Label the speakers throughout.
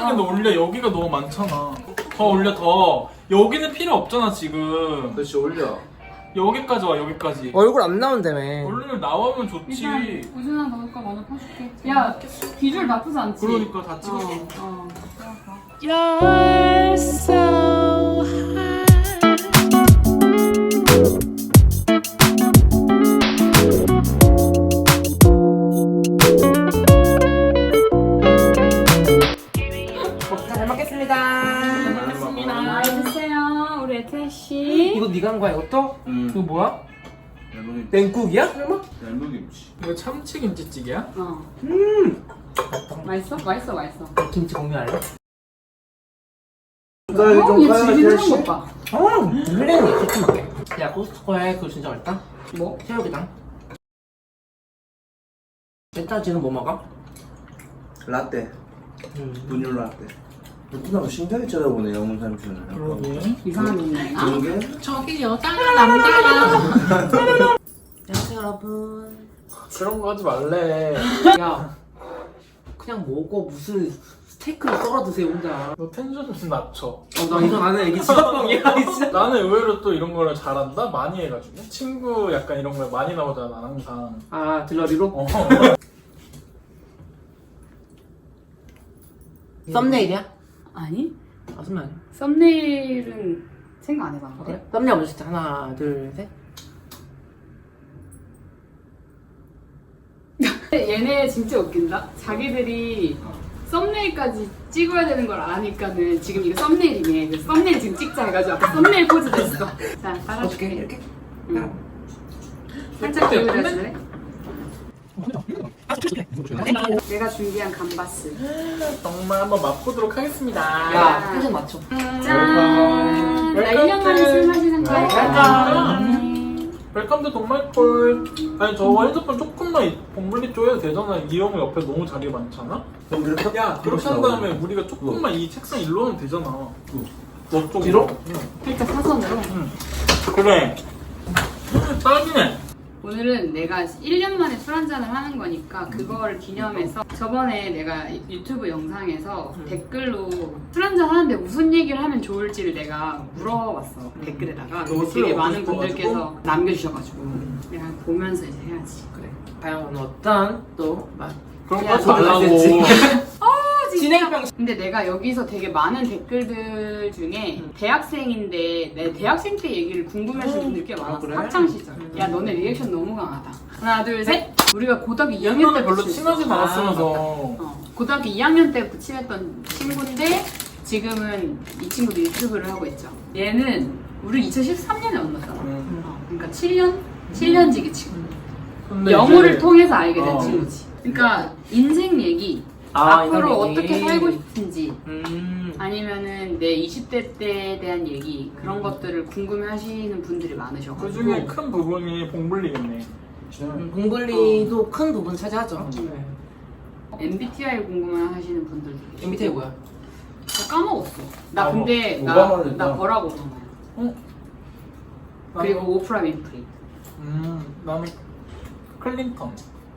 Speaker 1: 근데 올려. 여기가 너무 많잖아. 더 올려 더. 여기는 필요 없잖아 지금.
Speaker 2: 그렇지 올려.
Speaker 1: 여기까지 와 여기까지.
Speaker 3: 얼굴 안 나온다며.
Speaker 1: 얼른 나오면 좋지.
Speaker 4: 일단 우준아 넣을 거 먼저 퍼줄게. 야 비주얼 나쁘지 않지?
Speaker 1: 그러니까 다 찍어줘.
Speaker 5: You're so high.
Speaker 3: 잘 먹겠습니다.
Speaker 4: 많이 드세요 우리 애태 씨.
Speaker 3: 이거 네가 한 거야 이것도? 이거 뭐야?
Speaker 2: 얇은
Speaker 3: 냉국이야? 설마?
Speaker 2: 얇은 김치.
Speaker 1: 이거 참치 김치찌개야?
Speaker 4: 어. 맛있어? 맛있어 맛있어.
Speaker 3: 김치 공유할래?
Speaker 4: 얘 지리는 것 봐.
Speaker 3: 블랙이 시큼하게. 야 코스트코에 그거 진짜 맛있다.
Speaker 4: 뭐?
Speaker 3: 새우기당. 젠타지는 뭐 먹어?
Speaker 2: 라떼. 분유 라떼. 누구나 신기하게 쳐다보네 영훈 삼촌은.
Speaker 1: 그러게.
Speaker 4: 이상한 놈이야.
Speaker 2: 그런 게?
Speaker 5: 저기 여자가 남자가.
Speaker 3: 안녕하세요 여러분.
Speaker 1: 그런 거 하지 말래.
Speaker 3: 야 그냥 먹어. 무슨 스테이크를 썰어 드세요 혼자.
Speaker 1: 너 텐션 좀 낮춰.
Speaker 3: 나 이거 나는 이게 직업병이야 진짜.
Speaker 1: 나는 의외로 또 이런 거를 잘한다? 많이 해가지고. 친구 약간 이런 거 많이 나오잖아 난 항상.
Speaker 3: 아 들러리로?
Speaker 1: 어.
Speaker 3: 썸네일이야?
Speaker 4: 아니?
Speaker 3: 무슨 말이야?
Speaker 4: 썸네일은 생각 안 해봐.
Speaker 3: 그래? 썸네일 먼저 진짜 하나 둘 셋.
Speaker 4: 얘네 진짜 웃긴다. 자기들이 썸네일까지 찍어야 되는 걸 아니까는 지금 이거 썸네일이네. 그래서 썸네일 지금 찍자 해가지고 아까 썸네일 포즈 됐어. 자, 따라줄게.
Speaker 3: 이렇게?
Speaker 4: 응. 살짝 기울여줄래? 내가 준비한 감바스.
Speaker 1: 정말 한번 맛보도록 하겠습니다.
Speaker 3: 야 텐션 맞춰.
Speaker 4: 짠! 나 1년 만에 술 마시는 거야.
Speaker 1: 웰컴 투 동말콜. 아니 저 핸드폰 조금만 봉블리 쪼여도 되잖아. 이 형 옆에 너무 자리 많잖아. 야 그렇게 한 다음에 우리가 조금만 이 책상 일로 하면 되잖아. 너 쪽으로.
Speaker 3: 뒤로?
Speaker 1: 응.
Speaker 4: 살짝 사선으로.
Speaker 1: 그래. 딱이네.
Speaker 4: 오늘은 내가 1년 만에 술 한잔을 하는 거니까 그거를 기념해서 저번에 내가 유튜브 영상에서 댓글로 술 한잔 하는데 무슨 얘기를 하면 좋을지를 내가 물어봤어 댓글에다가.
Speaker 1: 너무
Speaker 4: 근데
Speaker 1: 술
Speaker 4: 되게
Speaker 1: 먹고
Speaker 4: 많은
Speaker 1: 싶어가지고?
Speaker 4: 분들께서 남겨주셔가지고 내가 보면서 이제 해야지.
Speaker 3: 그래. 과연 어떤 또 맛?
Speaker 1: 그런 거
Speaker 4: 야,
Speaker 1: 하지 말라고.
Speaker 3: 진행병.
Speaker 4: 근데 내가 여기서 되게 많은 댓글들 중에 대학생인데 내 대학생 때 얘기를 궁금해하시는 분들 꽤 많았어.
Speaker 3: 그래?
Speaker 4: 학창 시절. 야 너네 리액션 너무 강하다. 하나 둘 셋. 우리가 고등학교 2학년 때
Speaker 1: 별로 친하지 않았으면서.
Speaker 4: 고등학교 2학년 때부터 친했던 친구인데 지금은 이 친구도 유튜브를 하고 있죠. 얘는 우리 2013년에 만났잖아. 그러니까 7년지기 친구.
Speaker 1: 근데
Speaker 4: 영어를
Speaker 1: 이제
Speaker 4: 통해서 알게 된
Speaker 1: 어.
Speaker 4: 친구지. 그러니까 인생 얘기, 앞으로 어떻게 살고 싶은지, 아니면은 내 20대 때에 대한 얘기 그런 것들을 궁금해하시는 분들이
Speaker 1: 그
Speaker 4: 많으셔가지고.
Speaker 1: 중에 큰 부분이 봉블리겠네.
Speaker 3: 봉블리도 큰 부분 차지하죠.
Speaker 4: MBTI 궁금해하시는 분들도 계시고.
Speaker 3: MBTI 뭐야?
Speaker 4: 나 까먹었어. 나
Speaker 2: 아,
Speaker 4: 근데
Speaker 2: 오바마 됐다.
Speaker 4: 나 버락 오바마야.
Speaker 1: 어?
Speaker 4: 그리고 오프라 윈프리.
Speaker 1: 나는 클린턴.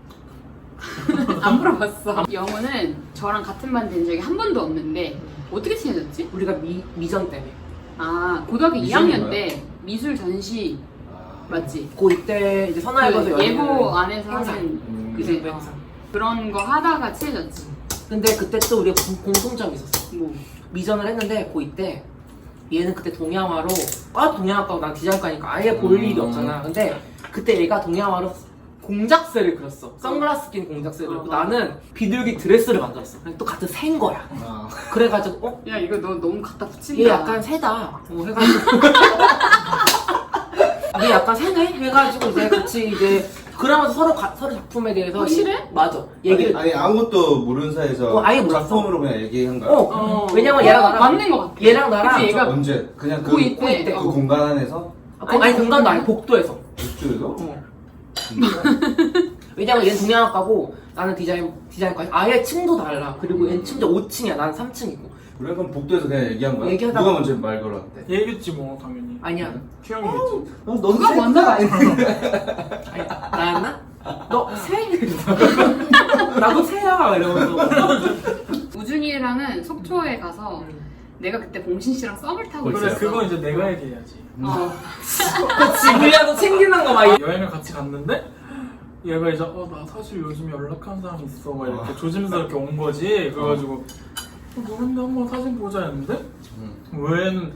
Speaker 4: 안 물어봤어. 영호는 저랑 같은 반 된 적이 한 번도 없는데 어떻게 친해졌지?
Speaker 3: 우리가 미전 때문에.
Speaker 4: 아 고등학교
Speaker 2: 미술이
Speaker 4: 2학년
Speaker 2: 뭐야?
Speaker 4: 때 미술 전시 맞지?
Speaker 3: 고2 때 이제 선화에 가서
Speaker 4: 그 예고 안에서
Speaker 3: 행사.
Speaker 4: 하는
Speaker 3: 그치,
Speaker 4: 그래,
Speaker 3: 행사.
Speaker 4: 그런 거 하다가 친해졌지.
Speaker 3: 근데 그때 또 우리가 공통점이 있었어.
Speaker 4: 뭐
Speaker 3: 미전을 했는데 고2 때 얘는 그때 동양화로 동양학과고 난 디자인과니까 아예 볼 일이 없잖아. 근데 그때 얘가 동양화로 공작새를 그렸어. 선글라스 낀 공작새를 그렸고 나는 비둘기 드레스를 만들었어. 그냥 또 같은 새인 거야. 그래가지고
Speaker 4: 야 이거 너 너무 갖다 붙인다.
Speaker 3: 얘 약간 새다. 해가지고 얘 약간 새네? 해가지고 이제 같이 이제 그러면서 서로 작품에 대해서
Speaker 4: 확실해?
Speaker 3: 맞아. 얘기를
Speaker 2: 아니 아무것도 모르는 사이에서
Speaker 3: 아예 몰랐어.
Speaker 2: 작품으로 그냥 얘기한 거야.
Speaker 3: 왜냐면 얘랑 나랑
Speaker 4: 맞는 거 같아.
Speaker 3: 얘랑 나랑
Speaker 4: 그치, 얘가
Speaker 2: 언제? 그냥 그,
Speaker 4: 고2 때.
Speaker 2: 그 공간 안에서?
Speaker 3: 아니 공간도 아니 복도에서.
Speaker 2: 육주에서?
Speaker 3: 왜냐면 얘는 동양학과고 나는 디자인과 아예 층도 달라. 그리고 얘는 심지어 5층이야. 나는 3층이고.
Speaker 2: 그래 그럼 복도에서 그냥 얘기한 거야?
Speaker 3: 얘기하다가-
Speaker 2: 누가 먼저 말 걸었대?
Speaker 1: 얘겠지 뭐 당연히.
Speaker 3: 아니야.
Speaker 1: 큐형이겠지.
Speaker 4: 누가 먼저 가?
Speaker 3: 아니, 나였나? 너 새? 나도 새야 이러면서.
Speaker 4: 우준이랑은 속초에 가서 내가 그때 봉신 씨랑 썸을 타고
Speaker 1: 그래
Speaker 4: 있었어.
Speaker 1: 그거 이제 내가 얘기해야지.
Speaker 3: 그치 우리하고 챙기는 거 막.
Speaker 1: 여행을 같이 갔는데 얘가 이제 나 사실 요즘 연락하는 사람 있어 막 이렇게 조심스럽게 온 거지. 그래가지고 누군데 한번 사진 보자 했는데 왜는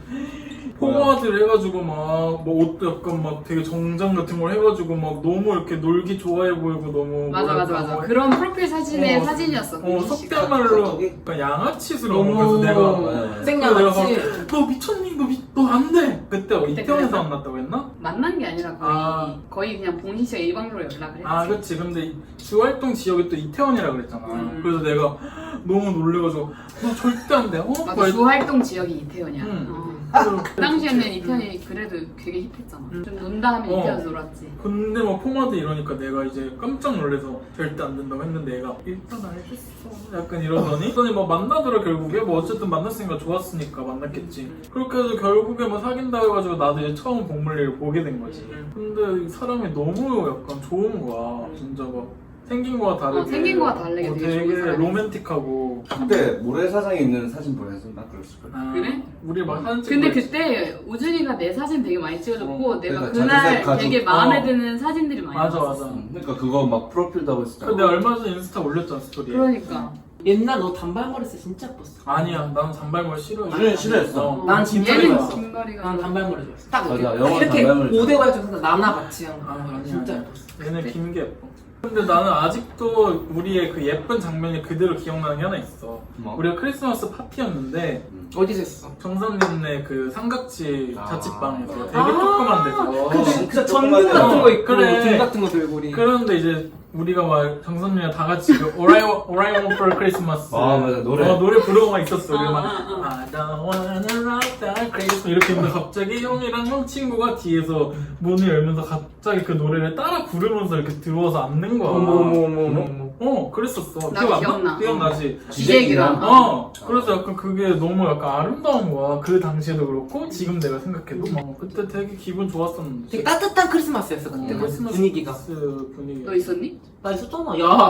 Speaker 1: 포마드를 해가지고 막 뭐 옷도 약간 막 되게 정장 같은 걸 해가지고 막 너무 이렇게 놀기 좋아해 보이고 너무
Speaker 4: 맞아. 그런 프로필 사진의
Speaker 1: 어,
Speaker 4: 사진이었어. 봉신 씨가.
Speaker 1: 속된 말로 약간 양아치스러운 거여서 내가
Speaker 3: 생양아치.
Speaker 1: 너 미쳤니? 너 안 돼! 그때 이태원에서 만났다고 했나?
Speaker 4: 만난 게 아니라 거의 그냥 봉신 씨가 일방적으로 연락을 했지.
Speaker 1: 아 그치. 근데 주활동 지역이 또 이태원이라 그랬잖아. 그래서 내가 너무 놀래가지고 너 절대 안 돼.
Speaker 4: 맞아,
Speaker 1: 막
Speaker 4: 주활동 지역이 이태원이야.
Speaker 1: 그래서
Speaker 4: 그 당시에는 이태원이 그래도 되게 힙했잖아. 좀 논다 하면 이태원에서 놀았지.
Speaker 1: 근데 막 포마드 이러니까 내가 이제 깜짝 놀라서 절대 안 된다고 했는데 얘가 일단 알겠어 약간 이러더니 그러더니 막 만나더라 결국에. 뭐 어쨌든 만났으니까 좋았으니까 만났겠지. 그렇게 해서 결국에 뭐 사귄다고 해가지고 나도 이제 처음 복물리를 보게 된 거지. 근데 이 사람이 너무 약간 좋은 거야. 진짜 막 생긴 거와 다르게
Speaker 4: 생긴 거와 다르게 되게 좋은
Speaker 1: 되게
Speaker 4: 사람이었어.
Speaker 1: 로맨틱하고.
Speaker 2: 그때 모래사장에 있는 사진 보냈었나? 그랬을걸.
Speaker 1: 그래? 우리 막 사진 찍고
Speaker 4: 근데
Speaker 1: 있지.
Speaker 4: 그때 우준이가 내 사진 되게 많이 찍어줬고 내가
Speaker 2: 그러니까
Speaker 4: 그날
Speaker 2: 자주색 가족.
Speaker 4: 되게 마음에 드는 사진들이 많이
Speaker 1: 맞아
Speaker 4: 나왔어.
Speaker 1: 맞아.
Speaker 2: 그러니까 그거 막 프로필도 하고 있었잖아.
Speaker 1: 근데 얼마 전에 인스타 올렸잖아 스토리에.
Speaker 4: 그러니까
Speaker 3: 옛날 너 단발머리 했을 때 진짜 예뻤어.
Speaker 1: 아니야 나는 잔발머리 싫어.
Speaker 2: 우준이 싫어했어.
Speaker 3: 난 진짜
Speaker 4: 얘는
Speaker 3: 좋았어.
Speaker 4: 긴머리가
Speaker 3: 난 단발머리 좋았어. 딱
Speaker 2: 맞아,
Speaker 3: 이렇게
Speaker 2: 영화
Speaker 3: 이렇게
Speaker 2: 단발머리
Speaker 3: 고데발 중에서 나나 같이 한 거.
Speaker 1: 아니야,
Speaker 3: 진짜
Speaker 1: 아니야.
Speaker 3: 예뻤어.
Speaker 1: 얘는 긴 게 예뻐. 근데 나는 아직도 우리의 그 예쁜 장면이 그대로 기억나는 게 하나 있어.
Speaker 2: 뭐?
Speaker 1: 우리가 크리스마스 파티였는데
Speaker 3: 어디서 했어?
Speaker 1: 정선님네 그 삼각지
Speaker 2: 아.
Speaker 1: 자취방에서 되게 조그만 데서.
Speaker 3: 그
Speaker 2: 진짜
Speaker 3: 전등
Speaker 2: 조그만
Speaker 3: 같은 거
Speaker 1: 데서.
Speaker 3: 있고
Speaker 1: 그래.
Speaker 3: 등 같은 거 들고 우리.
Speaker 1: 그런데 이제 우리가 막 정선님이랑 다 같이 그 Orion for Christmas
Speaker 2: 아, 맞아, 노래.
Speaker 1: 노래 부르고만 있었어. 우리 막 I don't wanna rock that Christmas 이렇게 했는데 갑자기 형이랑 형 친구가 뒤에서 문을 열면서 갑자기 그 노래를 따라 부르면서 이렇게 들어와서 앉는 거야.
Speaker 3: 어머.
Speaker 1: 그랬었어.
Speaker 4: 나
Speaker 1: 기억 안
Speaker 4: 기억나.
Speaker 1: 나? 기억나지?
Speaker 4: 기재기랑
Speaker 1: 그래서 약간 그게 너무 약간 아름다운 거야. 그 당시에도 그렇고 지금 내가 생각해도 막 그때 되게 기분 좋았었는데.
Speaker 3: 되게 따뜻한 크리스마스였어 그때
Speaker 1: 크리스마스
Speaker 3: 분위기가.
Speaker 1: 분위기.
Speaker 4: 너 있었니?
Speaker 3: 나 있었잖아. 야.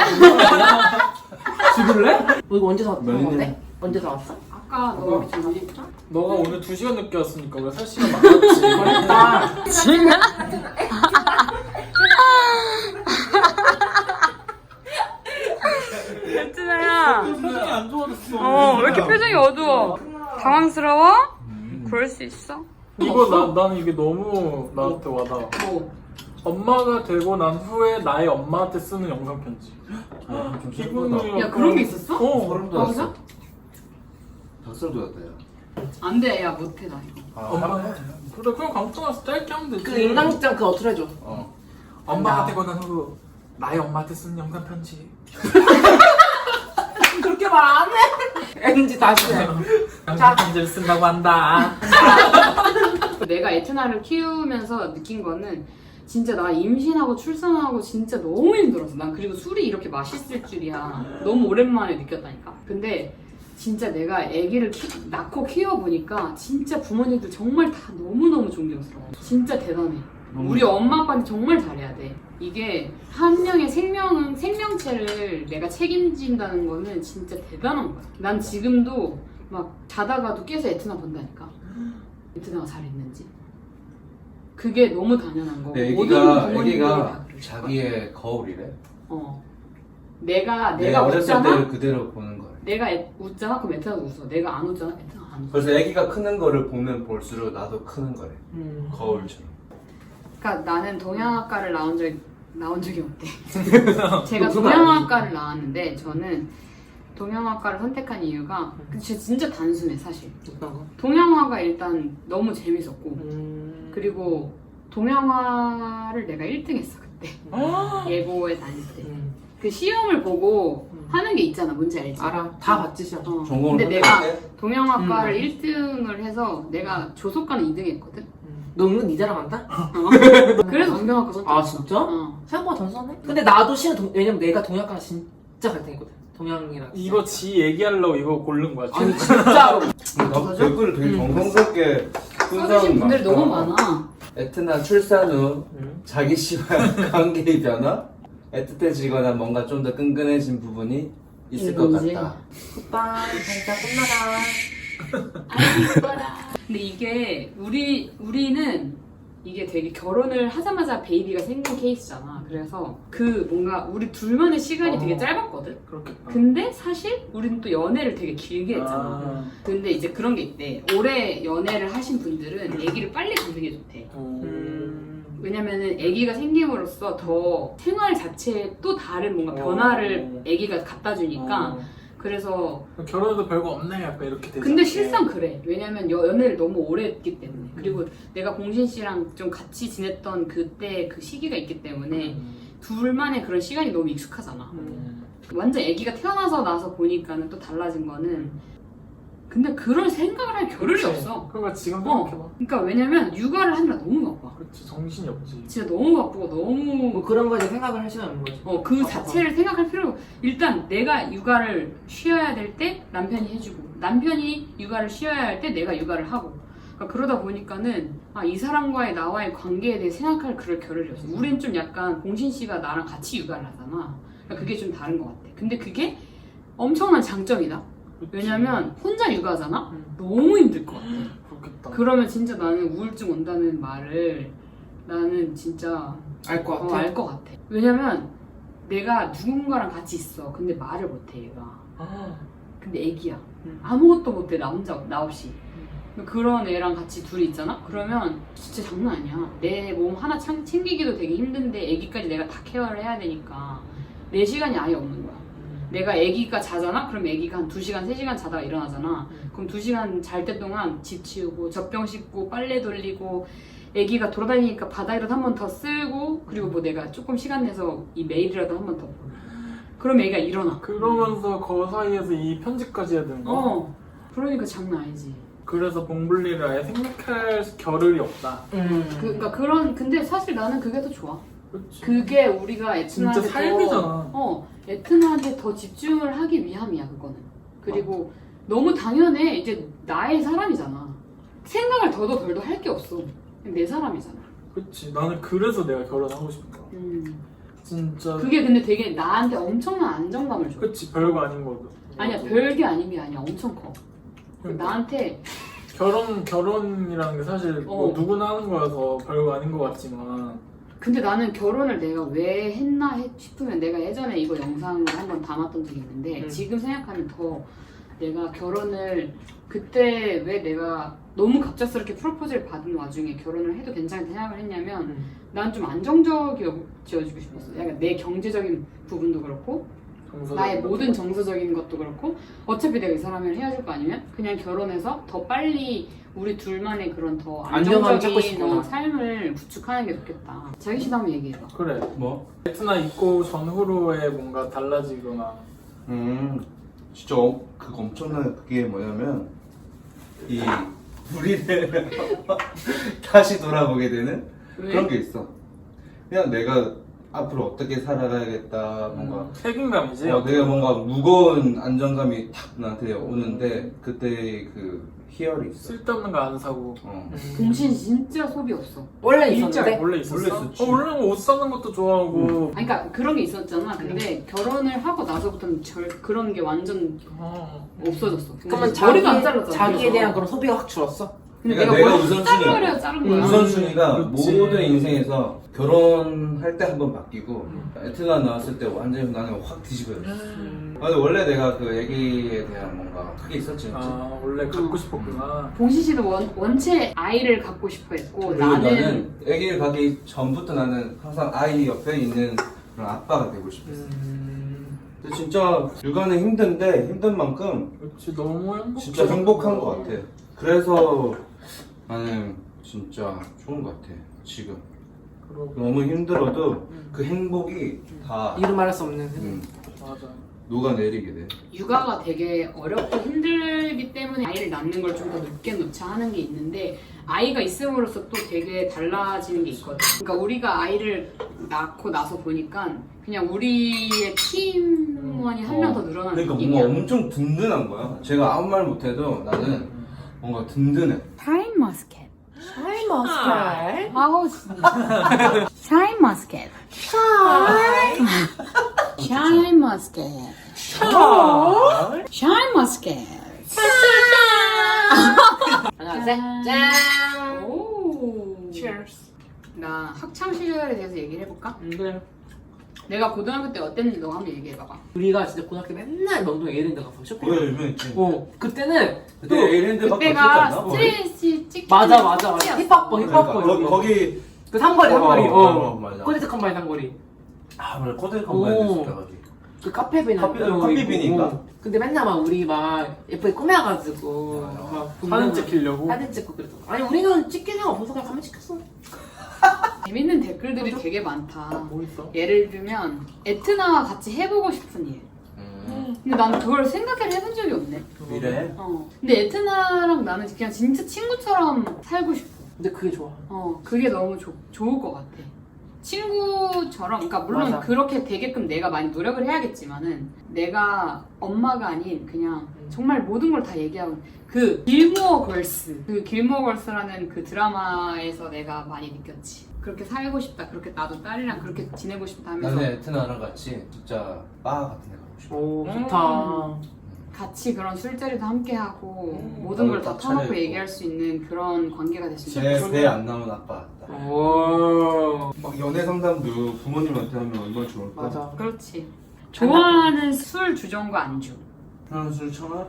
Speaker 3: 죽을래? 너 이거 언제 사왔어?
Speaker 2: 며느리네.
Speaker 3: 언제 사왔어?
Speaker 4: 아까 너 우리 집 어디 있다?
Speaker 1: 너가 오늘 2시간 늦게 왔으니까 우리가 4시간 많았지.
Speaker 3: 그러니까.
Speaker 5: 예진아야.
Speaker 1: 표정이 안 좋아졌어.
Speaker 5: 왜 이렇게 표정이 어두워? 당황스러워? 그럴 수 있어?
Speaker 1: 이거 나는 이게 너무 나한테 와닿아.
Speaker 4: 뭐?
Speaker 1: 엄마가 되고 난 후에 나의 엄마한테 쓰는 영상 편지.
Speaker 2: 좀
Speaker 1: 기분이
Speaker 4: 야, 그런 게 있었어?
Speaker 2: 소름
Speaker 4: 아,
Speaker 2: 돋았어. 닭살 돋았다 야.
Speaker 4: 안 돼, 야 못해 나 이거.
Speaker 1: 엄마. 그래 그냥 감동해서 짧게 하면 되지.
Speaker 3: 그 인강극장 그거 어떻게 해줘?
Speaker 1: 엄마가 되고 난 후 나의 엄마한테 쓰는 영상 편지.
Speaker 3: 그렇게 말 안 해. NG 다시 해.
Speaker 1: 영상 편지를 쓴다고 한다.
Speaker 4: 내가 에트나를 키우면서 느낀 거는 진짜 나 임신하고 출산하고 진짜 너무 힘들었어. 난 그리고 술이 이렇게 맛있을 줄이야. 너무 오랜만에 느꼈다니까. 근데 진짜 내가 아기를 낳고 키워보니까 진짜 부모님들 정말 다 너무너무 존경스러워. 진짜 대단해. 우리 엄마 아빠는 정말 잘해야 돼. 이게 한 명의 생명체를 내가 책임진다는 거는 진짜 대단한 거야. 난 지금도 막 자다가도 깨서 에트나 본다니까. 에트나가 잘했는지. 그게 너무 당연한 거고.
Speaker 2: 근데
Speaker 4: 모든 부모님들이 다
Speaker 2: 애기가
Speaker 4: 그럴
Speaker 2: 자기의 거울이래.
Speaker 4: 내가
Speaker 2: 어렸을
Speaker 4: 웃잖아?
Speaker 2: 때를 그대로 보는 거야.
Speaker 4: 내가 웃잖아? 그럼 에트나도 웃어. 내가 안 웃잖아? 에트나 안 웃어.
Speaker 2: 그래서 애기가 크는 거를 보면 볼수록 나도 크는 거래. 거울처럼.
Speaker 4: 그러니까 나는 동양학과를 나온 적이 없대. 제가
Speaker 3: 그건
Speaker 4: 동양학과를 나왔는데 저는 동양학과를 선택한 이유가 진짜 단순해 사실.
Speaker 3: 어떤 거?
Speaker 4: 동양화가 일단 너무 재밌었고 그리고 동양화를 내가 1등했어 그때. 예고에 다닐 때. 그 시험을 보고 하는 게 있잖아. 뭔지 알지?
Speaker 3: 알아. 다 봤지 시험.
Speaker 2: 전공을
Speaker 4: 근데 내가
Speaker 2: 선택할
Speaker 4: 동양학과를 1등을 해서 내가 조속과는 2등 했거든.
Speaker 3: 너 은근 니 자랑한다?
Speaker 4: 그래서 동양학과 선택했어.
Speaker 3: 아 진짜? 생각보다 단순하네? 근데 나도 시험 왜냐면 내가 동양과 진짜 갈등했거든. 동양이랑.
Speaker 1: 이거 지 얘기하려고 이거 고른 거야.
Speaker 3: 아니 진짜로.
Speaker 2: 나도 댓글을 되게 정성스럽게 쓴
Speaker 4: 써주신
Speaker 2: 사람이
Speaker 4: 분들이
Speaker 2: 많다.
Speaker 4: 너무 많아.
Speaker 2: 에트나 출산 후 자기 씨와의 관계의 변화? 애틋해지거나 뭔가 좀 더 끈끈해진 부분이 있을 것
Speaker 3: 이거지.
Speaker 2: 같다.
Speaker 3: 오빠 진짜 끝나라.
Speaker 4: 아이 이뻐라. 근데 이게 우리는 이게 되게 결혼을 하자마자 베이비가 생긴 케이스잖아. 그래서 그 뭔가 우리 둘만의 시간이 되게 짧았거든.
Speaker 1: 그렇겠다.
Speaker 4: 근데 사실 우리는 또 연애를 되게 길게 했잖아.
Speaker 1: 아.
Speaker 4: 근데 이제 그런 게 있대. 오래 연애를 하신 분들은 아기를 빨리 갖는 게 좋대. 왜냐면은 아기가 생김으로써 더 생활 자체에 또 다른 뭔가 변화를 아기가 갖다 주니까. 그래서
Speaker 1: 결혼해도 별거 없네 약간 이렇게 되지.
Speaker 4: 근데 실상 그래. 왜냐면 연애를 너무 오래 했기 때문에. 그리고 내가 공신 씨랑 좀 같이 지냈던 그때 그 시기가 있기 때문에 둘만의 그런 시간이 너무 익숙하잖아. 완전 아기가 태어나서 나서 보니까는 또 달라진 거는 근데 그럴 생각을 할 겨를이
Speaker 1: 그치.
Speaker 4: 없어.
Speaker 1: 그러니까 지금 생각해봐.
Speaker 4: 그러니까 왜냐면 육아를 하느라 너무 바빠.
Speaker 1: 그렇지 정신이 없지.
Speaker 4: 진짜 너무 바쁘고 너무
Speaker 3: 뭐 그런 거에 대해 생각을 할 시간 없는 거지.
Speaker 4: 그 자체를 생각할 필요가 일단 내가 육아를 쉬어야 될 때 남편이 해주고 남편이 육아를 쉬어야 할 때 내가 육아를 하고 그러니까 그러다 보니까는 이 사람과의 나와의 관계에 대해 생각할 그럴 겨를이 없어. 우린 좀 약간 공신 씨가 나랑 같이 육아를 하잖아. 그러니까 그게 좀 다른 것 같아. 근데 그게 엄청난 장점이다. 왜냐면 혼자 육아하잖아? 너무 힘들 것 같아.
Speaker 1: 그렇겠다.
Speaker 4: 그러면 진짜 나는 우울증 온다는 말을 나는 진짜
Speaker 3: 알 것 같아.
Speaker 4: 알 것 같아. 왜냐면 내가 누군가랑 같이 있어. 근데 말을 못해 얘가. 근데 애기야. 아무것도 못해 나 혼자 나 없이. 그런 애랑 같이 둘이 있잖아? 그러면 진짜 장난 아니야. 내 몸 하나 챙기기도 되게 힘든데 애기까지 내가 다 케어를 해야 되니까 내 시간이 아예 없는 거야. 내가 애기가 자잖아? 그럼 애기가 한 2시간, 3시간 자다가 일어나잖아. 그럼 2시간 잘 때 동안 집 치우고 젖병 씻고 빨래 돌리고 애기가 돌아다니니까 바닥이라도 한 번 더 쓸고 그리고 뭐 내가 조금 시간 내서 이 메일이라도 한 번 더 그럼 애기가 일어나.
Speaker 1: 그러면서 그 사이에서 이 편집까지 해야 되는 거야?
Speaker 4: 그러니까 장난 아니지.
Speaker 1: 그래서 봉블리를 아예 생각할 겨를이 없다.
Speaker 4: 그러니까 근데 사실 나는 그게 더 좋아.
Speaker 1: 그렇지.
Speaker 4: 그게 우리가
Speaker 1: 진짜
Speaker 4: 에트나한테
Speaker 1: 삶이잖아.
Speaker 4: 에트나한테 더 집중을 하기 위함이야 그거는. 그리고 너무 당연해. 이제 나의 사람이잖아. 생각을 더도 덜도 할 게 없어. 그냥 내 사람이잖아.
Speaker 1: 그렇지. 나는 그래서 내가 결혼하고 싶은 거야. 진짜.
Speaker 4: 그게 근데 되게 나한테 엄청난 안정감을 줘.
Speaker 1: 그렇지. 별거 아닌 거도.
Speaker 4: 아니야 별게 아닌 게 아니야. 엄청 커.
Speaker 1: 그러니까.
Speaker 4: 나한테
Speaker 1: 결혼이라는 게 사실 뭐 누구나 하는 거여서 별거 아닌 것 같지만
Speaker 4: 근데 나는 결혼을 내가 왜 했나 싶으면 내가 예전에 이거 영상을 한번 담았던 적이 있는데 지금 생각하면 더 내가 결혼을 그때 왜 내가 너무 갑작스럽게 프로포즈를 받은 와중에 결혼을 해도 괜찮다 생각을 했냐면 난 좀 안정적이어지고 싶었어. 약간 내 경제적인 부분도 그렇고 나의 모든 정서적인 것도 그렇고 어차피 내가 이 사람을 헤어질 거 아니면 그냥 결혼해서 더 빨리 우리 둘만의 그런 더
Speaker 3: 안정감을 찾고
Speaker 4: 안정적인
Speaker 3: 싶구나.
Speaker 4: 삶을 구축하는 게 좋겠다. 자기 씨도 한번 얘기해봐.
Speaker 1: 그래.
Speaker 2: 뭐?
Speaker 1: 베트나 입고 전후로의 뭔가 달라지거나
Speaker 2: 진짜 그거 엄청난 그게 뭐냐면 이 우리를 다시 돌아보게 되는
Speaker 4: 왜?
Speaker 2: 그런 게 있어. 그냥 내가 앞으로 어떻게 살아가야겠다 뭔가
Speaker 1: 책임감이지.
Speaker 2: 내가 뭔가 무거운 안정감이 탁 나한테 오는데 그때 그 희열이 있어.
Speaker 1: 쓸데없는 거 안 사고.
Speaker 4: 동신 진짜 소비 없어.
Speaker 3: 원래
Speaker 1: 진짜
Speaker 3: 있었는데
Speaker 1: 원래 있었어?
Speaker 2: 원래 있었지.
Speaker 1: 원래 옷 사는 것도 좋아하고.
Speaker 4: 아니, 그러니까 그런 게 있었잖아. 근데 결혼을 하고 나서부터는 그런 게 완전 없어졌어.
Speaker 3: 그러면
Speaker 4: 머리가 안 잘랐잖아.
Speaker 3: 자기에
Speaker 4: 그래서.
Speaker 3: 대한 그런 소비가 확 줄었어?
Speaker 4: 근데
Speaker 2: 그러니까
Speaker 4: 내가
Speaker 2: 내가
Speaker 4: 머리
Speaker 2: 우선순위야.
Speaker 4: 자르려 자른 거야.
Speaker 2: 우선순위가
Speaker 1: 그렇지.
Speaker 2: 모든 인생에서 결혼할 때 한 번 바뀌고 에트나 나왔을 때 완전히 나는 확 뒤집어졌어. 근데 원래 내가 그 애기에 대한 뭔가 크게 있었지.
Speaker 1: 아 원래 갖고 싶었구나.
Speaker 4: 봉신 씨도 원체 아이를 갖고 싶어 했고
Speaker 2: 그리고 나는 애기를 가기 전부터 나는 항상 아이 옆에 있는 그런 아빠가 되고 싶었어. 근데 진짜 육아는 힘든데 힘든 만큼
Speaker 1: 그렇지 너무 행복.
Speaker 2: 진짜 행복한 것 같아. 그래서 나는 진짜 좋은 것 같아. 지금
Speaker 1: 그러고
Speaker 2: 너무 힘들어도 그 행복이 다
Speaker 3: 이루 말할 수 없는
Speaker 1: 맞아.
Speaker 2: 녹아내리게 돼.
Speaker 4: 육아가 되게 어렵고 힘들기 때문에 아이를 낳는 걸 좀 더 늦게 놓자 하는 게 있는데 아이가 있음으로써 또 되게 달라지는 게 있거든. 그러니까 우리가 아이를 낳고 나서 보니까 그냥 우리의 팀원이 한 명 더 늘어나는
Speaker 2: 그러니까
Speaker 4: 느낌이야.
Speaker 2: 뭔가 엄청 든든한 거야. 제가 아무 말 못해도 나는 뭔가 든든해.
Speaker 4: 타임 머스켓.
Speaker 3: 샤인 머스칼
Speaker 4: 아우 진짜. 샤인 머스켓. 샤인머스켓. 샤인머스켓.
Speaker 3: 하나, 셋, 짠!
Speaker 4: 오.
Speaker 3: Cheers.
Speaker 4: 나 학창 시절에 대해서 얘기를 해볼까?
Speaker 3: 그래.
Speaker 4: 내가 고등학교 때 어땠는지 너가 한번 얘기해봐봐.
Speaker 3: 우리가 진짜 고등학교 맨날 명동 에이랜드 가서 쇼핑.
Speaker 2: 그거 유명했지.
Speaker 3: 그때는
Speaker 2: 그때
Speaker 3: 또
Speaker 2: 에이랜드밖에
Speaker 4: 그때가
Speaker 2: 없었지 않나?
Speaker 4: 스트레이트 찍힌
Speaker 3: 맞아.
Speaker 4: 시기였어.
Speaker 3: 힙합버.
Speaker 2: 그러니까 거기
Speaker 3: 그 상거리.
Speaker 2: 맞아.
Speaker 3: 코디스 컴바인 상거리.
Speaker 2: 아 맞아 코드 컴바인드
Speaker 3: 오.
Speaker 2: 있었다 거기.
Speaker 3: 그 카페빈
Speaker 2: 커피빈인가?
Speaker 3: 근데 맨날 막 우리 막 예쁘게 꾸며가지고 막
Speaker 1: 사진 찍히려고.
Speaker 3: 사진 찍고 그랬어. 아니 우리는 찍힐 생각 없어서 그냥 가면 찍혔어.
Speaker 4: 재밌는 댓글들이 되게 많다.
Speaker 1: 뭐 있어?
Speaker 4: 예를 들면 에트나와 같이 해보고 싶은 일. 근데 나는 그걸 생각을 해본 적이 없네.
Speaker 2: 미래.
Speaker 4: 근데 에트나랑 나는 그냥 진짜 친구처럼 살고 싶어.
Speaker 3: 근데 그게 좋아.
Speaker 4: 그게 너무 좋을 것 같아. 친구처럼, 그러니까 물론
Speaker 3: 맞아.
Speaker 4: 그렇게 되게끔 내가 많이 노력을 해야겠지만은 내가 엄마가 아닌 그냥 정말 모든 걸 다 얘기하고 그 길모어 걸스, 그 길모어 걸스라는 그 드라마에서 내가 많이 느꼈지. 그렇게 살고 싶다. 그렇게 나도 딸이랑 그렇게 지내고 싶다 하면서
Speaker 2: 나는 에트나랑 같이 진짜 바 같은 데 가고 싶어.
Speaker 3: 오 좋다.
Speaker 4: 같이 그런 술자리도 함께 하고 모든
Speaker 2: 나도
Speaker 4: 걸 다
Speaker 2: 다
Speaker 4: 터놓고
Speaker 2: 차려입고.
Speaker 4: 얘기할 수 있는 그런 관계가 됐으면 좋겠어.
Speaker 2: 제배 안 나온 아빠 같다.
Speaker 3: 오
Speaker 2: 막 연애 상담도 부모님한테 하면 얼마나 좋을까?
Speaker 3: 맞아.
Speaker 4: 그렇지. 좋아하는 술 주종과 안주.
Speaker 2: 한술 청아?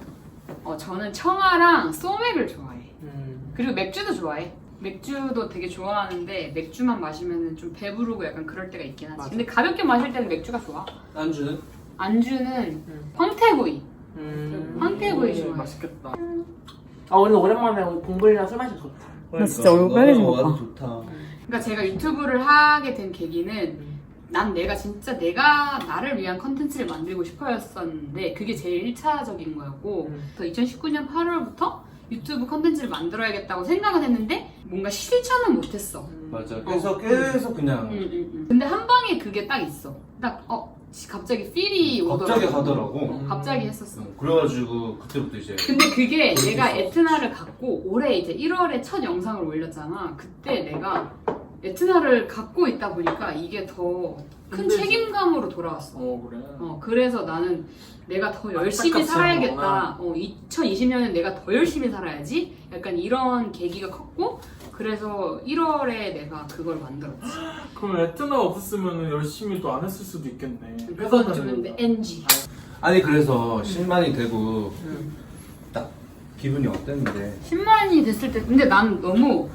Speaker 4: 저는 청아랑 소맥을 좋아해.
Speaker 3: 음.
Speaker 4: 그리고 맥주도 좋아해. 맥주도 되게 좋아하는데 맥주만 마시면 좀 배부르고 약간 그럴 때가 있긴 하지.
Speaker 3: 맞아.
Speaker 4: 근데 가볍게 마실 때는 맥주가 좋아.
Speaker 2: 안주는?
Speaker 4: 안주는 황태구이. 황태구이 좋아해.
Speaker 1: 맛있겠다.
Speaker 3: 아 오늘 오랜만에 봉글이랑 술 마시면 좋다.
Speaker 5: 나 진짜 얼굴 빨개진 거 봐.
Speaker 2: 와도 좋다.
Speaker 4: 그러니까 제가 유튜브를 하게 된 계기는 난 내가 진짜 내가 나를 위한 컨텐츠를 만들고 싶어였었는데 그게 제일 1차적인 거였고 그래서 2019년 8월부터 유튜브 컨텐츠를 만들어야겠다고 생각은 했는데 뭔가 실천은 못했어.
Speaker 2: 맞아. 계속 그냥
Speaker 4: 근데 한 방에 그게 딱 있어. 딱 갑자기 필이 오더라고.
Speaker 2: 갑자기 하더라고.
Speaker 4: 갑자기 했었어.
Speaker 2: 그래가지고 그때부터 이제
Speaker 4: 근데 그게 내가 에트나를 갖고 올해 이제 1월에 첫 영상을 올렸잖아. 그때 내가 에트나를 갖고 있다 보니까 이게 더 큰
Speaker 1: 힘들지.
Speaker 4: 책임감으로 돌아왔어.
Speaker 1: 그래.
Speaker 4: 그래서 나는 내가 더 열심히
Speaker 1: 안타깝지
Speaker 4: 살아야겠다. 2020년엔 내가 더 열심히 살아야지. 약간 이런 계기가 컸고 그래서 1월에 내가 그걸 만들었지.
Speaker 1: 그럼 에트나 없었으면 열심히 또 안 했을 수도 있겠네.
Speaker 4: 그건 좀 NG.
Speaker 2: 아니 그래서 10만이 되고 딱 기분이 어땠는데
Speaker 4: 10만이 됐을 때 근데 난 너무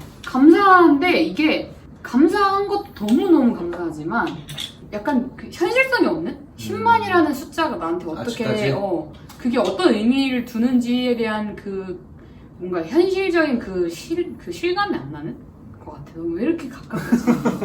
Speaker 4: 감사한데 이게 감사한 것도 너무너무 감사하지만 약간 그 현실성이 없는? 10만이라는 숫자가 나한테 어떻게
Speaker 2: 아직까지?
Speaker 4: 그게 어떤 의미를 두는지에 대한 그 뭔가 현실적인 그 실감이 안 나는 것 같아. 너 왜 이렇게 가깝지?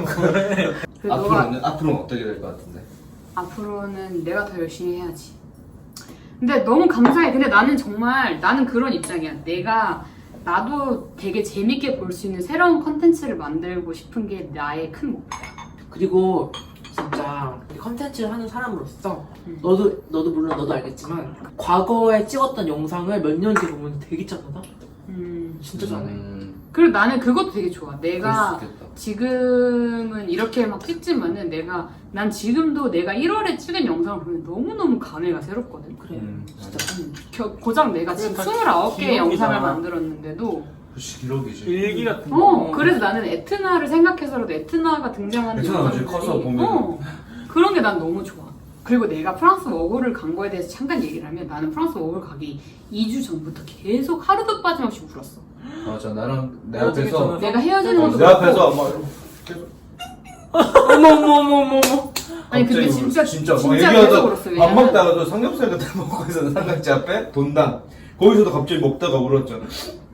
Speaker 2: 앞으로는 어떻게 될 것 같은데?
Speaker 4: 앞으로는 내가 더 열심히 해야지. 근데 너무 감사해. 근데 나는 그런 입장이야. 나도 되게 재밌게 볼 수 있는 새로운 컨텐츠를 만들고 싶은 게 나의 큰 목표야.
Speaker 3: 그리고 진짜 이 컨텐츠를 하는 사람으로서 너도 물론 너도 알겠지만 과거에 찍었던 영상을 몇 년 뒤에 보면 되게 짠하다. 진짜 짠해.
Speaker 4: 그리고 나는 그것도 되게 좋아.
Speaker 2: 그럴
Speaker 4: 내가
Speaker 2: 수 있겠다.
Speaker 4: 지금은 이렇게 막 찍지만은 난 지금도 내가 1월에 찍은 영상을 보면 너무너무 감회가 새롭거든.
Speaker 3: 그래.
Speaker 4: 진짜. 고작 내가 지금
Speaker 1: 다
Speaker 4: 29개의
Speaker 1: 기록이잖아.
Speaker 4: 영상을 만들었는데도
Speaker 2: 그치 기록이지.
Speaker 1: 일기 같은 거.
Speaker 4: 그래서 나는 에트나를 생각해서라도 에트나가 등장하는
Speaker 2: 에트나 나중에
Speaker 4: 영상들이
Speaker 2: 커서 보면
Speaker 4: 그런 게 난 너무 좋아. 그리고 내가 프랑스 워홀을 간 거에 대해서 잠깐 얘기를 하면 나는 프랑스 워홀 가기 2주 전부터 계속 하루도 빠짐없이 울었어.
Speaker 2: 맞아 나랑 내
Speaker 1: 헤어지기
Speaker 2: 앞에서
Speaker 1: 전에
Speaker 4: 내가 헤어지는 것도
Speaker 2: 내 앞에서 막 계속
Speaker 3: 어머머머머머.
Speaker 4: 아니 근데
Speaker 2: 갑자기
Speaker 4: 진짜
Speaker 2: 막
Speaker 4: 계속
Speaker 2: 얘기하다
Speaker 4: 울었어.
Speaker 2: 밥
Speaker 4: 왜냐면
Speaker 2: 먹다가도 삼겹살 같은 거 먹고 있었는 삼각지 앞에 돈당 거기서도 갑자기 먹다가 울었잖아.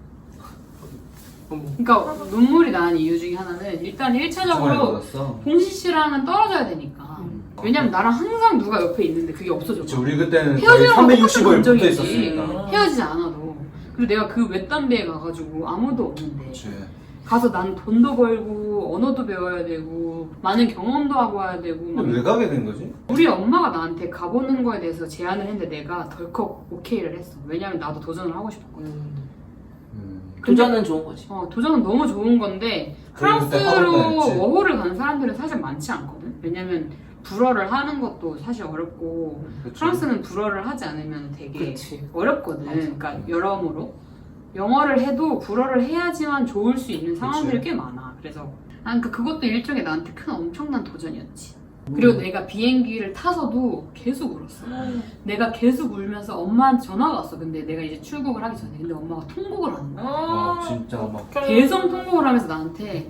Speaker 4: 그러니까 눈물이 나는 이유 중에 하나는 일단 1차적으로
Speaker 2: 받았어.
Speaker 4: 봉시 씨랑은 떨어져야 되니까. 왜냐면 나랑 항상 누가 옆에 있는데 그게 없어져.
Speaker 2: 그치, 우리 그때는 거의
Speaker 4: 헤어지는
Speaker 2: 365일 붙어
Speaker 4: 감정이지.
Speaker 2: 있었으니까.
Speaker 4: 헤어지지 않아도. 그리고 내가 그 외딴데에 가가지고 아무도 없는데
Speaker 2: 그치.
Speaker 4: 가서 난 돈도 벌고 언어도 배워야 되고 많은 경험도 하고 와야 되고 막
Speaker 2: 근데 왜 가게 된 거지?
Speaker 4: 우리 엄마가 나한테 가보는 거에 대해서 제안을 했는데 내가 덜컥 오케이를 했어. 왜냐면 나도 도전을 하고 싶었거든.
Speaker 3: 도전은 좋은 거지.
Speaker 4: 도전은 너무 좋은 건데
Speaker 2: 그래, 그때
Speaker 4: 프랑스로
Speaker 2: 하버드 했지.
Speaker 4: 워홀을 가는 사람들은 사실 많지 않거든. 왜냐면 불어를 하는 것도 사실 어렵고 프랑스는 불어를 하지 않으면 되게
Speaker 3: 그치.
Speaker 4: 어렵거든.
Speaker 3: 맞아.
Speaker 4: 그러니까 여러모로 영어를 해도 불어를 해야지만 좋을 수 있는 상황들이 꽤 많아. 그래서 난 그것도 일종의 나한테 큰 엄청난 도전이었지. 그리고 내가 비행기를 타서도 계속 울었어. 내가 계속 울면서 엄마한테 전화가 왔어. 근데 내가 이제 출국을 하기 전에. 근데 엄마가 통곡을 하는 거야.
Speaker 2: 아 진짜 막
Speaker 4: 계속 통곡을 하면서 나한테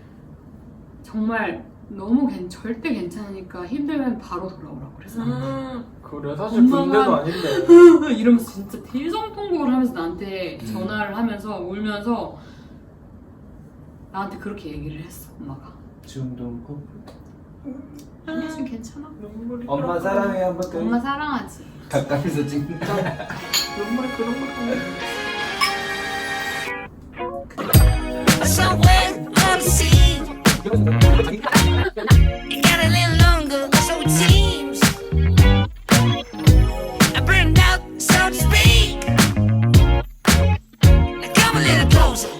Speaker 4: 정말 너무 절대 괜찮으니까 힘들면 바로 돌아오라고 그래서
Speaker 1: 그래 사실
Speaker 4: 엄마가-
Speaker 1: 군대도 아닌데.
Speaker 4: 이러면서 진짜 대성통곡을 하면서 나한테 전화를 하면서 울면서 나한테 그렇게 얘기를 했어. 엄마가
Speaker 2: 지금도 울고
Speaker 4: 아니 지금 괜찮아.
Speaker 1: 눈물이
Speaker 2: 엄마
Speaker 1: 그렇구나.
Speaker 2: 사랑해 한번 더
Speaker 4: 엄마 사랑하지.
Speaker 2: 가까이서 찍는
Speaker 1: 눈물이 그런 거
Speaker 6: Somewhere on the sea, it got a little longer, so it seems. I burned out, so to speak. Now come a little closer.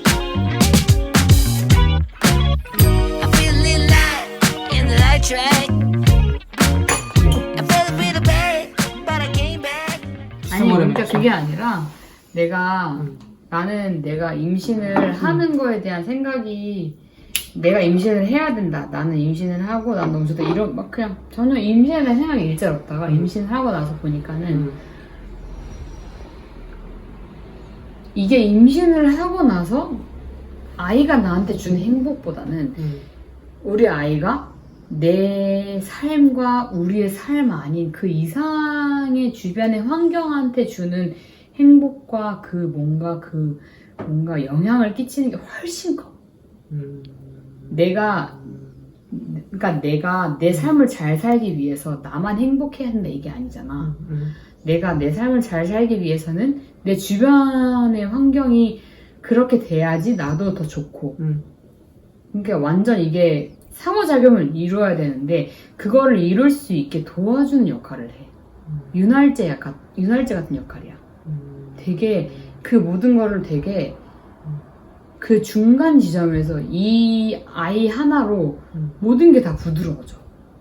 Speaker 6: I feel a little light in the light track. I felt a bit of bad, but I came back.
Speaker 4: 아니 그러니까 그게 아니라 나는 내가 임신을 하는 거에 대한 생각이 내가 임신을 해야 된다. 나는 임신을 하고 난 너무 좋다. 이런 막 그냥 전혀 임신에 대한 생각이 일절 없다가 임신을 하고 나서 보니까는 이게 임신을 하고 나서 아이가 나한테 주는 행복보다는 우리 아이가 내 삶과 우리의 삶 아닌 그 이상의 주변의 환경한테 주는 행복과 그 뭔가 영향을 끼치는 게 훨씬 커. 그러니까 내가 내 삶을 잘 살기 위해서 나만 행복해야 한다 이게 아니잖아. 내가 내 삶을 잘 살기 위해서는 내 주변의 환경이 그렇게 돼야지 나도 더 좋고. 그러니까 완전 이게 상호작용을 이루어야 되는데 그거를 이룰 수 있게 도와주는 역할을 해. 윤활제 같은 역할이야. 되게 그 모든 거를 되게 그 중간 지점에서 이 아이 하나로 모든 게 다 부드러워져.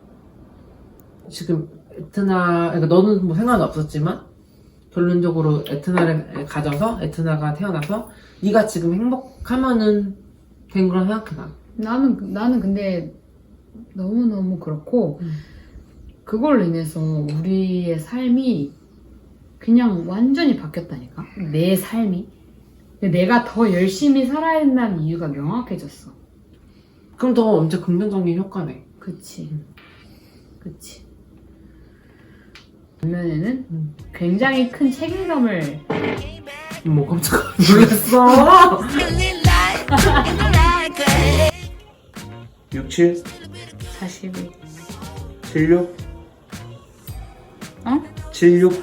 Speaker 3: 지금 그러니까 너는 뭐 생각은 없었지만 결론적으로 에트나를 가져서 에트나가 태어나서 네가 지금 행복하면은 된 거라 생각해 나.
Speaker 4: 나는 근데 너무너무 그렇고 그걸로 인해서 우리의 삶이 그냥 완전히 바뀌었다니까. 내 삶이. 내가 더 열심히 살아야 된다는 이유가 명확해졌어.
Speaker 3: 그럼 더 엄청 긍정적인 효과네.
Speaker 4: 그치. 반면에는 굉장히 큰 책임감을
Speaker 3: 뭐 깜짝 놀랐어.
Speaker 6: A little light in the light track.
Speaker 2: 67
Speaker 4: 42.
Speaker 2: 76
Speaker 4: 어?
Speaker 2: 76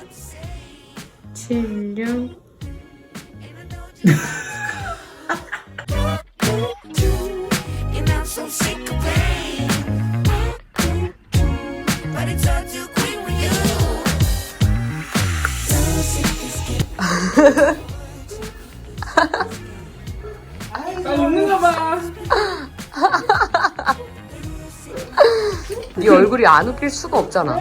Speaker 4: 76.
Speaker 6: You know, so sick of pain. But it's all too quick with you. So sick of skin.
Speaker 3: 네 얼굴이 안 웃길 수가 없잖아.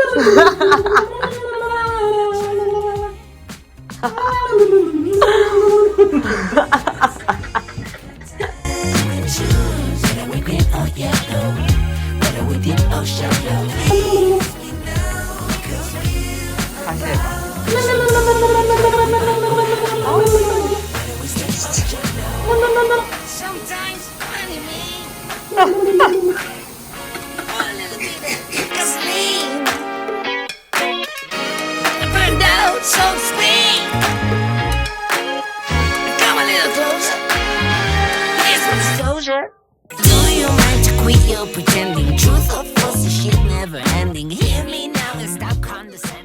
Speaker 3: 다시 해봐.
Speaker 6: Sometimes funny me. A little bit of gasoline. I burned out, so to speak. Come a little closer. Here's some disclosure. Do you mind to quit your pretending? Truth or false, this shit never ending. Hear me now and stop condescending.